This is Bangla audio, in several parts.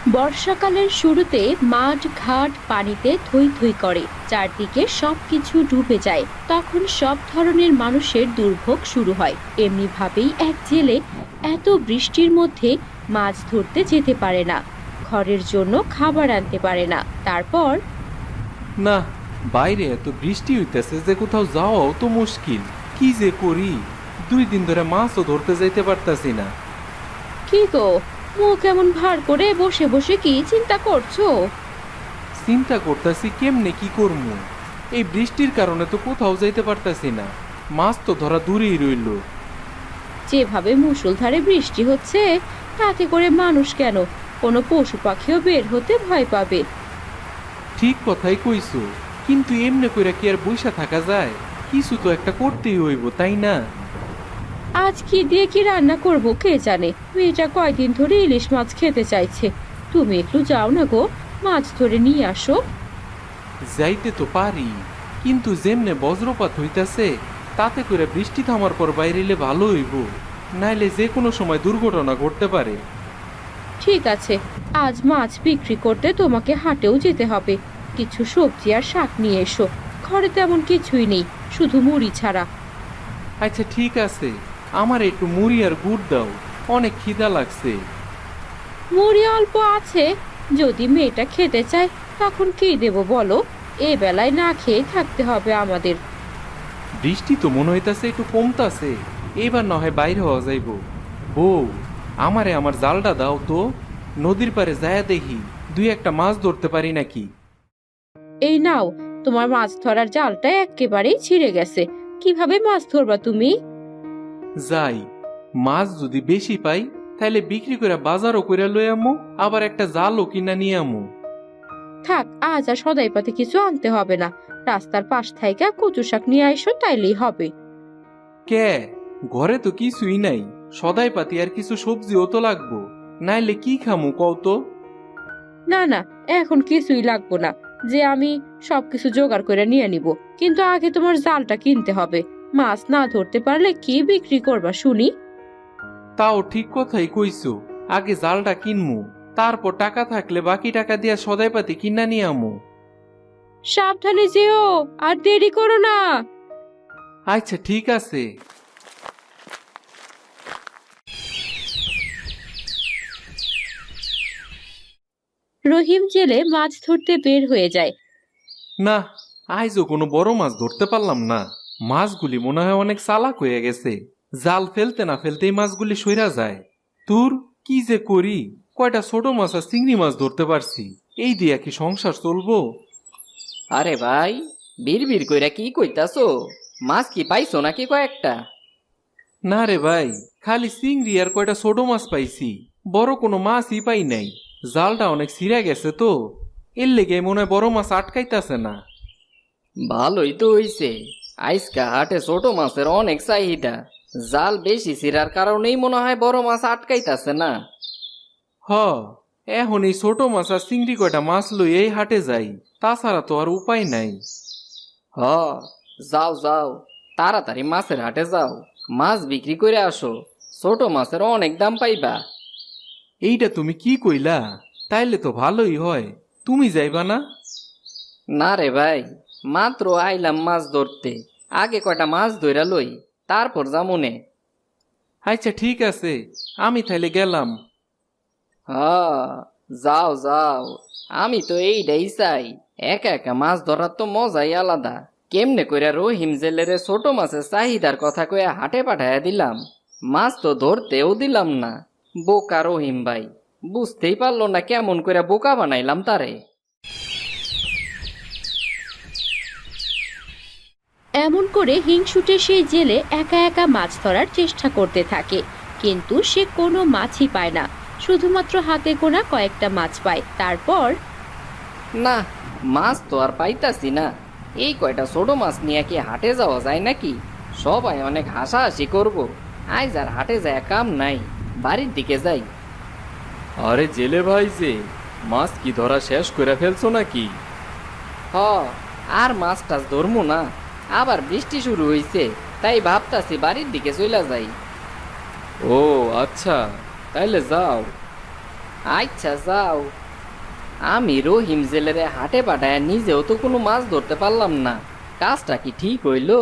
বর্ষাকালের শুরুতে মাঠ ঘাট পানিতে থই থই করে, চারদিকে সবকিছু ডুবে যায়। তখন সব ধরনের মানুষের দুর্ভোগ শুরু হয়। এমনি ভাবেই এক জেলে এত বৃষ্টির মধ্যে মাছ ধরতে যেতে পারে না, ঘরের জন্য খাবার আনতে পারে না। তারপর না, বাইরে এত বৃষ্টি হইতেছে যে কোথাও যাওয়াও তো মুশকিল। কি যে করি, 2 দিন ধরে মাছও ধরতে যাইতে পারতাছি না। কি গো, মুখ এমন ভার করে বসে বসে কি চিন্তা করছো? চিন্তা করতেছি কেমনে কি করবো। এই বৃষ্টির কারণে তো কোথাও যাইতে পারতাছি না, মাছ তো ধরা দূরেই রইল। যেভাবে মুষলধারে বৃষ্টি হচ্ছে, তাতে করে মানুষ কেন, কোনো পশু পাখিও বের হতে ভয় পাবে। ঠিক কথাই কইছো, কিন্তু এমনি কইরা কি আর বইসা থাকা যায়? কিছু তো একটা করতেই হইব, তাই না? আজ কি দিয়ে কি রান্না করব কে জানে। মেয়েটা কয়দিন ধরে ইলিশ মাছ খেতে চাইছে। তুমি একটু যাও না গো, মাছ ধরে নিয়ে আসো। যাইতে তো পারি, কিন্তু যেমনে বজ্রপাত হইতাছে, তাতে করে বৃষ্টি থামার পর বাইরেলে ভালো হইব, নাইলে যে কোনো সময় দুর্ঘটনা ঘটতে পারে। ঠিক আছে, আজ মাছ বিক্রি করতে তোমাকে হাটেও যেতে হবে। কিছু সবজি আর শাক নিয়ে এসো। ঘরে তেমন কিছুই নেই, শুধু মুড়ি ছাড়া। আচ্ছা ঠিক আছে, আমার একটু মুড়ি আর গুড় দাও, অনেক খিদা লাগছে। মুড়ি অল্প আছে, যদি মেয়েটা খেতে চায় তখন কি দেব বলো? এ বেলায় না খেয়ে থাকতে হবে আমাদের। বৃষ্টি তো মনে হইতাছে একটু কমতাছে, এবার না হয় বাইরে হওয়া যাইব। বউ, আমারে আমার জালটা দাও তো, নদীর পারে যায়া দেখি 2-1টা মাছ ধরতে পারি নাকি। এই নাও, তোমার মাছ ধরার জালটা একেবারেই ছিঁড়ে গেছে। কিভাবে মাছ ধরবা তুমি? যাই, মাছ যদি বেশি পাই তাহলে বিক্রি করে বাজারও করে লই আমু, আবার একটা জালও কিনা নিয়ে আমু। থাক, আজ আর সদাই পাতে কিছু আনতে হবে না। রাস্তার পাশ থেকে কচু শাক নিয়ে আইসো, তাইলেই হবে। কে, ঘরে তো কিছুই নাই, সদাই পাতি আর কিছু সবজিও তো লাগবো, নাইলে কি খামু কও তো। না না, এখন কিছুই লাগবো না, যে আমি সবকিছু জোগাড় করে নিয়ে নিব। কিন্তু আগে তোমার জালটা কিনতে হবে। মাছ না ধরতে পারলে কি বিক্রি করবা শুনি? তাও ঠিক কথাই কইছো, আগে জালটা কিনমু, তারপর টাকা থাকলে বাকি টাকা দিয়া সদাই পাতি কিনা নিয়ে আমু। সাবধানে যেও, আর দেরি করো না। আচ্ছা ঠিক আছে। রহিম জেলে মাছ ধরতে বের হয়ে যায়। না, আইজও কোনো বড় মাছ ধরতে পারলাম না। মাছগুলি মনে হয় অনেক চালাক হয়ে গেছে, জাল ফেলতে না ফেলতেই মাছগুলি সইরা যায়। তোর কি যে করি, কয়টা ছোট মাছ আর চিংড়ি মাছ ধরতে পারছি, এই দিয়া কি সংসার চলবো? আরে ভাই, বিড় কইরা কি কইতাছো? মাছ কি পাইছো নাকি কয়েকটা? না রে ভাই, খালি চিংড়ি আর কয়টা ছোট মাছ পাইছি, বড় কোনো মাছই পাই নাই। জালটা অনেক ছিঁড়া গেছে তো, এর লেগে মনে হয় বড় মাছ আটকাইতাছে না। ভালোই তো হইছে, আইসকা হাটে ছোট মাছের অনেক চাহিদা। জাল বেশি ছিড়ার কারণেই মনে হয় বড় মাছ আটকাইতাছে না। হ, এখন এই ছোট মাছ আর চিংড়ি কয়টা মাছ লই এই হাটে যাই, তাছাড়া তো আর উপায় নাই। হ, যাও যাও, তাড়াতাড়ি মাছের হাটে যাও, মাছ বিক্রি করে আসো। ছোট মাছের অনেক দাম পাইবা। এইটা তুমি কি কইলা? তাইলে তো ভালোই হয়, তুমি যাইবা না? না রে ভাই, মাত্র আইলাম মাছ ধরতে, আগে কয়টা মাছ ধইরা লই, তারপর যামুনে। আচ্ছা ঠিক আছে, আমি তাইলে গেলাম। হ্যাঁ, যাও যাও, আমি তো এইটাই চাই। একা একা মাছ ধরার তো মজাই আলাদা। কেমনে কইরা রহিম জেলেরে ছোট মাছের চাহিদার কথা কইয়া হাটে পাঠাইয়া দিলাম, মাছ তো ধরতেও দিলাম না। বোকা রহিম ভাই, বুঝতেই পারলো না কেমন কইরা বোকা বানাইলাম তারে। এমন করে হিংসুটে সেই জেলে একা একা মাছ ধরার চেষ্টা করতে থাকে, কিন্তু সে কোনো মাছই পায় না। শুধুমাত্র হাতে গোনা কয়েকটা মাছ পায়। তারপর না, মাছ তো আর পাইতাছি না। এই কয়টা ছোট মাছ নিয়ে কি হাটে যাওয়া যায় নাকি? সবাই অনেক হাসাহাসি করব। আজ আর হাটে যায় কাম নাই, বাড়ির দিকে যাই। আরে জেলে ভাই যে, মাছ কি ধরা শেষ করে ফেলছো নাকি? হ, আর মাছ টাছ ধরমু না, আবার বৃষ্টি শুরু হইছে, তাই ভাবতাছি বাড়ির দিকে চইলা যাই। ও আচ্ছা, তাইলে যাও। আচ্ছা যাও, আমি রহিম জেলেরে হাটে পাঠায় নিজেও তো কোনো মাছ ধরতে পারলাম না, কাজটা কি ঠিক হইল?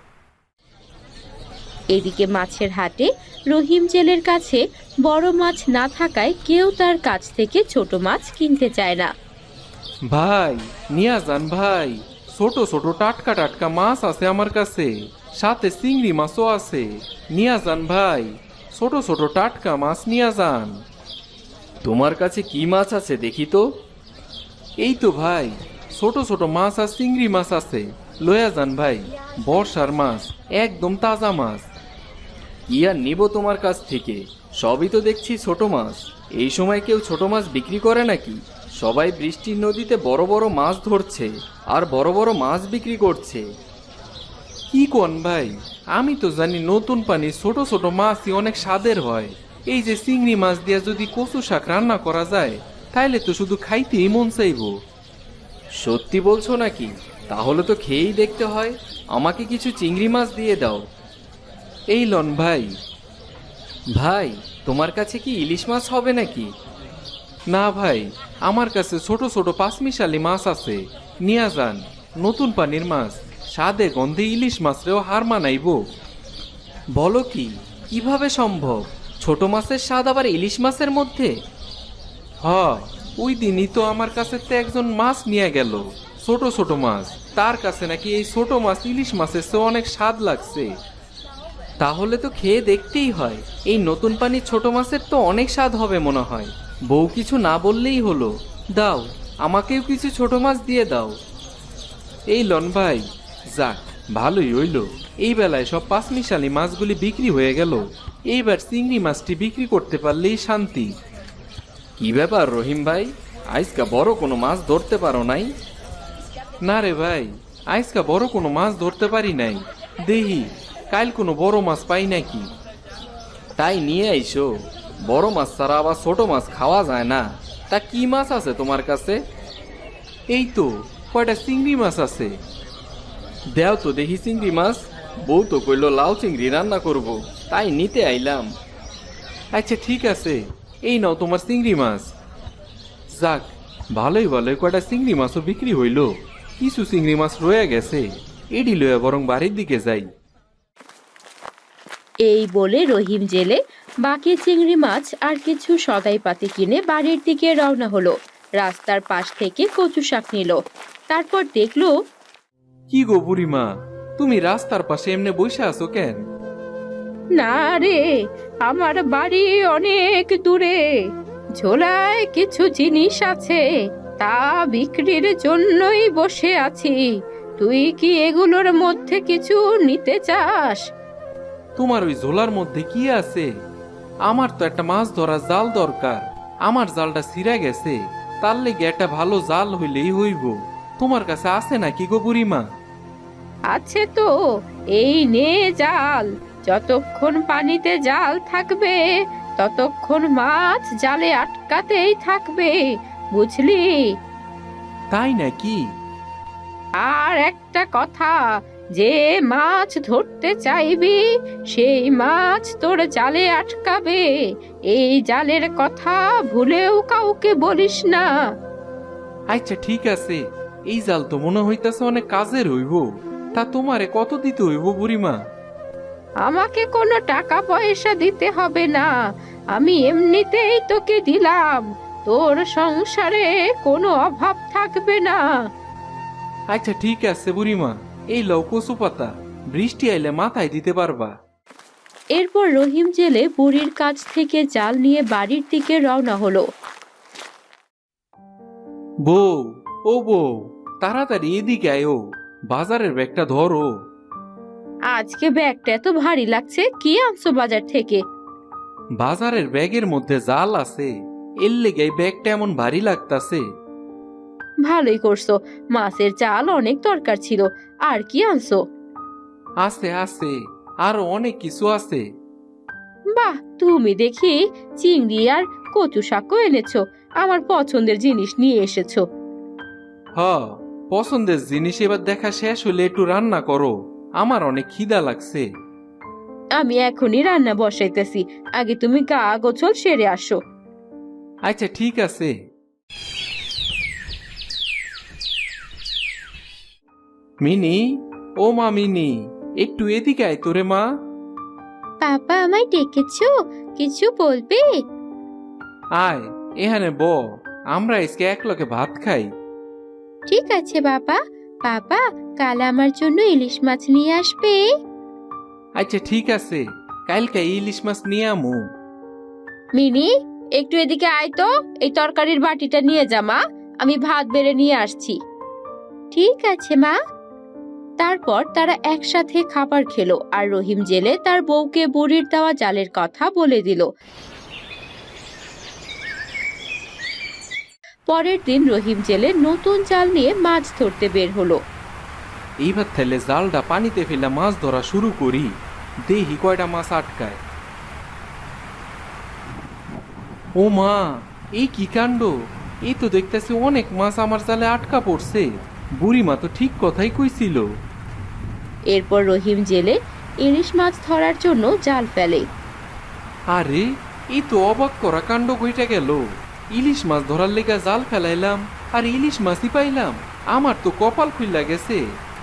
এদিকে মাছের হাটে রহিম জেলের কাছে বড় মাছ না থাকায় কেউ তার কাছ থেকে ছোট মাছ কিনতে চায় না। ভাই নিয়া যান ভাই, ছোট ছোট টাটকা টাটকা মাছ আছে আমার কাছে, সাথে চিংড়ি মাছও আছে। নিয়া যান ভাই, ছোট ছোট টাটকা মাছ নিয়া যান। তোমার কাছে কি মাছ আছে দেখি তো? এই তো ভাই, ছোট ছোট মাছ আর চিংড়ি মাছ আছে, লয়া যান ভাই। বর্ষার মাছ, একদম তাজা মাছ। কি আর নিব তোমার কাছ থেকে? সবই তো দেখছি ছোট মাছ। এই সময় কেউ ছোট মাছ বিক্রি করে নাকি? সবাই বৃষ্টির নদীতে বড় বড় মাছ ধরছে আর বড় বড় মাছ বিক্রি করছে। কি কোন ভাই, আমি তো জানি নতুন পানি ছোট ছোট মাছই অনেক স্বাদের হয়। এই যে চিংড়ি মাছ দিয়া যদি কচু শাক রান্না করা যায়, তাইলে তো শুধু খাইতেই মন চাইবো। সত্যি বলছো নাকি? তাহলে তো খেয়েই দেখতে হয়। আমাকে কিছু চিংড়ি মাছ দিয়ে দাও। এই লন ভাই। ভাই, তোমার কাছে কি ইলিশ মাছ হবে নাকি? না ভাই, আমার কাছে ছোট ছোট পাঁচমিশালি মাছ আছে, নিয়া যান। নতুন পানির মাছ, স্বাদে গন্ধে ইলিশ মাছরেও হার মানাইব। বলো কি, কিভাবে সম্ভব? ছোট মাছের স্বাদ আবার ইলিশ মাছের মধ্যে? হ, ওই দিনই তো আমার কাছে তো একজন মাছ নিয়ে গেল, ছোট ছোট মাছ। তার কাছে নাকি এই ছোট মাছ ইলিশ মাছের চেয়ে অনেক স্বাদ লাগছে। তাহলে তো খেয়ে দেখতেই হয়। এই নতুন পানির ছোট মাছের তো অনেক স্বাদ হবে মনে হয়। বউ কিছু না বললেই হলো। দাও, আমাকেও কিছু ছোট মাছ দিয়ে দাও। এই লন ভাই। যাক, ভালোই হইল, এই বেলায় সব পাঁচমিশালি মাছগুলি বিক্রি হয়ে গেল। এইবার চিংড়ি মাছটি বিক্রি করতে পারলেই শান্তি। কি ব্যাপার রহিম ভাই, আজকা বড় কোনো মাছ ধরতে পারো নাই? না রে ভাই, আজকা বড় কোনো মাছ ধরতে পারি নাই। দেহি কাল কোনো বড় মাছ পাই নাকি। তাই নিয়ে আইসো। বড় মাছ ছাড়া আবার ছোট মাছ খাওয়া যায় না। তা কি মাছ আছে তোমার কাছে? এই তো কয়টা চিংড়ি মাছ আছে। দেও তো দেখি চিংড়ি মাছ। বউ তো কইলো লাউ চিংড়ি রান্না করব, তাই নিতে আইলাম। আচ্ছা ঠিক আছে, এই নাও তোমার চিংড়ি মাছ। যাক, ভালোই ভালোই কয়টা চিংড়ি মাছও বিক্রি হইল। কিছু চিংড়ি মাছ রয়ে গেছে, এডি লয়ে বরং বাড়ির দিকে যাই। এই বলে রহিম জেলে বাকি চিংড়ি মাছ আর কিছু সদাইপাতি কিনে বাড়ির দিকে রওনা হলো। রাস্তার পাশ থেকে কচু শাক নিল। তারপর দেখলো, কি গো বুড়িমা, তুমি রাস্তার পাশে এমনি বসে আছো কেন? না রে, আমার বাড়ি অনেক দূরে। ঝোলায় কিছু জিনিস আছে, তা বিক্রির জন্যই বসে আছি। তুই কি এগুলোর মধ্যে কিছু নিতে চাস? তোমার ওই ঝোলার মধ্যে কি আছে? আমার তো একটা মাছ ধরার জাল দরকার। আমার জালটা ছিঁড়া গেছে, তার লেগে একটা ভালো জাল হইলেই হইব। তোমার কাছে আছে নাকি গো বুড়িমা? আছে তো, এই নে জাল। যতক্ষণ পানিতে জাল থাকবে ততক্ষণ মাছ জালে আটকাতেই থাকবে, বুঝলি? তাই নাকি? আর একটা কথা, যে মাছ ধরতে চাইবি সেই মাছ তোর জালে আটকাবে। এই জালের কথা ভুলেও কাউকে বলিস না। আচ্ছা ঠিক আছে, এই জাল তো মনে হইতাছে অনেক কাজের হইব। তা তোমারে কত দিতে হইব বুড়িমা? আমাকে কোনো টাকা পয়সা দিতে হবে না, আমি এমনিতেই তোকে দিলাম। তোর সংসারে কোনো অভাব থাকবে না। আচ্ছা ঠিক আছে বুড়িমা, এই লও কচু পাতা, বৃষ্টি আইলে মাথায় দিতে পারবা। এরপর রহিম জেলে বুড়ির কাছ থেকে জাল নিয়ে বাড়ির দিকে রওনা হলো। বউ, ও বউ, তাড়াতাড়ি এদিকে আয়ো, বাজারের ব্যাগটা ধরো। আজকে ব্যাগটা এত ভারী লাগছে, কি আনছো বাজার থেকে? বাজারের ব্যাগের মধ্যে জাল আছে, এর লেগে এই ব্যাগটা এমন ভারী লাগতাছে। ভালোই করছো, মাছের জাল অনেক দরকার ছিল। আর কি আনছো? আছে আছে, আরো অনেক কিছু আছে। বাহ, তুমি দেখি চিংড়ি আর কচু শাকও এনেছো। আমার পছন্দের জিনিস নিয়ে এসেছো। হ, পছন্দের জিনিস এবার দেখা শেষ হলে একটু রান্না করো, আমার অনেক খিদা লাগছে। আমি এখনই রান্না বসাইতেছি, আগে তুমি গা গোছল সেরে আসো। আচ্ছা ঠিক আছে। মিনি, ও মা মিনি, একটু এদিকে আয় তোরে মা। পাপা আমায় ডেকেছো, কিছু বলবে? আয় এখানে ব, আমরা আজকে একলগে ভাত খাই। ঠিক আছে বাবা। বাবা, কাল আমার জন্য ইলিশ মাছ নিয়ে আসবে? আচ্ছা ঠিক আছে, কালকে ইলিশ মাছ নিয়ে আমু। মিনি, একটু এদিকে আয় তো, এই তরকারির বাটিটা নিয়ে যা মা, আমি ভাত বেড়ে নিয়ে আসছি। ঠিক আছে মা। তারপর তারা একসাথে খাবার খেলো আর রহিম জেলে তার বউকে বুড়ির দেওয়া জালের কথা বলে দিল। পরের দিন রহিম জেলে নতুন জাল নিয়ে মাছ ধরতে বের হলো। এইবার থেলে জালটা পানিতে ফেলে মাছ ধরা শুরু করি, দেখি কয়টা মাছ আটকায়। ও মা, এই কি কাণ্ড! এই তো দেখতেছি অনেক মাছ আমার জালে আটকা পড়ছে। বুড়িমা তো ঠিক কথাই কইছিল। এরপর রহিম জেলে ইলিশ মাছ ধরার জন্য জাল ফেলে। আরে, এই তো অবাক করা কাণ্ড কইটা গেল। ইলিশ মাছ ধরার লেগা জাল ফেলাইলাম আর ইলিশ মাছই পাইলাম। আমার তো কপাল খুইলা গেছে।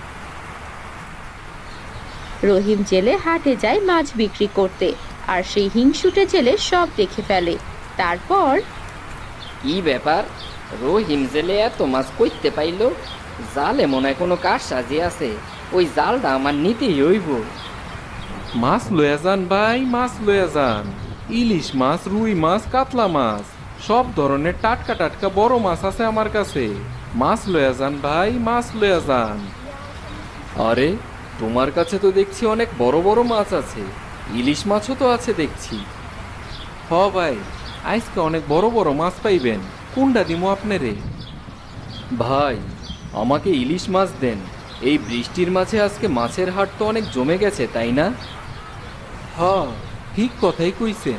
রহিম জেলে হাটে যায় মাছ বিক্রি করতে, আর সেই হিংসুটে জেলে সব দেখে ফেলে। তারপর কি ব্যাপার, রহিম জেলে এত মাছ কইতে পাইল? জালে মনে হয় কোনো কাজ সাজি আছে, ওই জালটা আমার নিতেই হইব। মাছ লয়া যান ভাই, মাছ লয়া যান। ইলিশ মাছ, রুই মাছ, কাতলা মাছ, সব ধরনের টাটকা টাটকা বড় মাছ আছে আমার কাছে। মাছ লয়া যান ভাই, মাছ লয়া যান। আরে, তোমার কাছে তো দেখছি অনেক বড় বড় মাছ আছে, ইলিশ মাছও তো আছে দেখছি। হ ভাই, আজকে অনেক বড় বড় মাছ পাইবেন। কোনটা দিমু আপনারে? ভাই, আমাকে ইলিশ মাছ দেন। এই বৃষ্টির মাঝে আজকে মাছের হাট তো অনেক জমে গেছে, তাই না? হ, ঠিক কথাই কইছেন।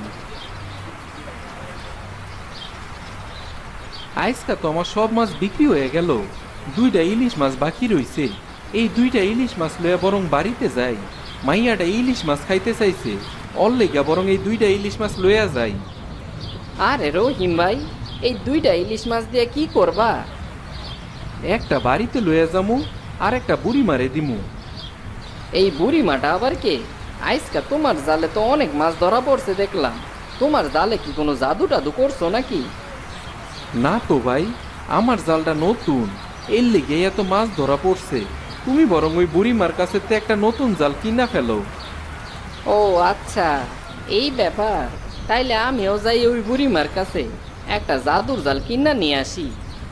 আজকা তো আমার সব মাছ বিক্রি হয়ে গেল, দুইটা ইলিশ মাছ বাকি রইছে। এই দুইটা ইলিশ মাছ লইয়া বরং বাড়িতে যাই। মাইয়াটা ইলিশ মাছ খাইতে চাইছে, অর লেগা বরং এই দুইটা ইলিশ মাছ লইয়া যাই। আরে রহিম ভাই, এই দুইটা ইলিশ মাছ দিয়ে কি করবা? একটা বাড়িতে লইয়া যামু, আর একটা বুড়ি মারে দিমু। এই বুড়ি মাটা আবার কে? আজকা তোমার জালে তো অনেক মাছ ধরা পড়ছে দেখলাম। তোমার জালে কি কোনো জাদু টাদু করছো নাকি? না তো ভাই, আমার জালটা নতুন, এর লেগে এত মাছ ধরা পড়ছে। তুমি বরং ওই বুড়িমার কাছে তে একটা নতুন জাল কিনা ফেলো। ও আচ্ছা, এই ব্যাপার। তাইলে আমিও যাই ওই বুড়িমার কাছে, একটা জাদুর জাল কিনা নিয়ে আসি।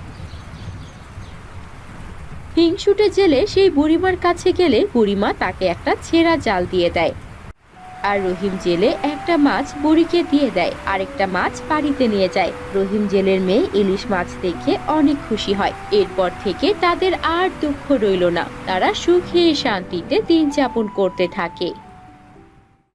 হিংসুটে জেলে সেই বুড়িমার কাছে গেলে বুড়িমা তাকে একটা ছেঁড়া জাল দিয়ে দেয়। আর রহিম জেলে একটা মাছ বুড়িকে দিয়ে দেয়, আরেকটা মাছ বাড়িতে নিয়ে যায়। রহিম জেলের মেয়ে ইলিশ মাছ দেখে অনেক খুশি হয়। এরপর থেকে তাদের আর দুঃখ রইল না, তারা সুখে শান্তিতে দিন যাপন করতে থাকে।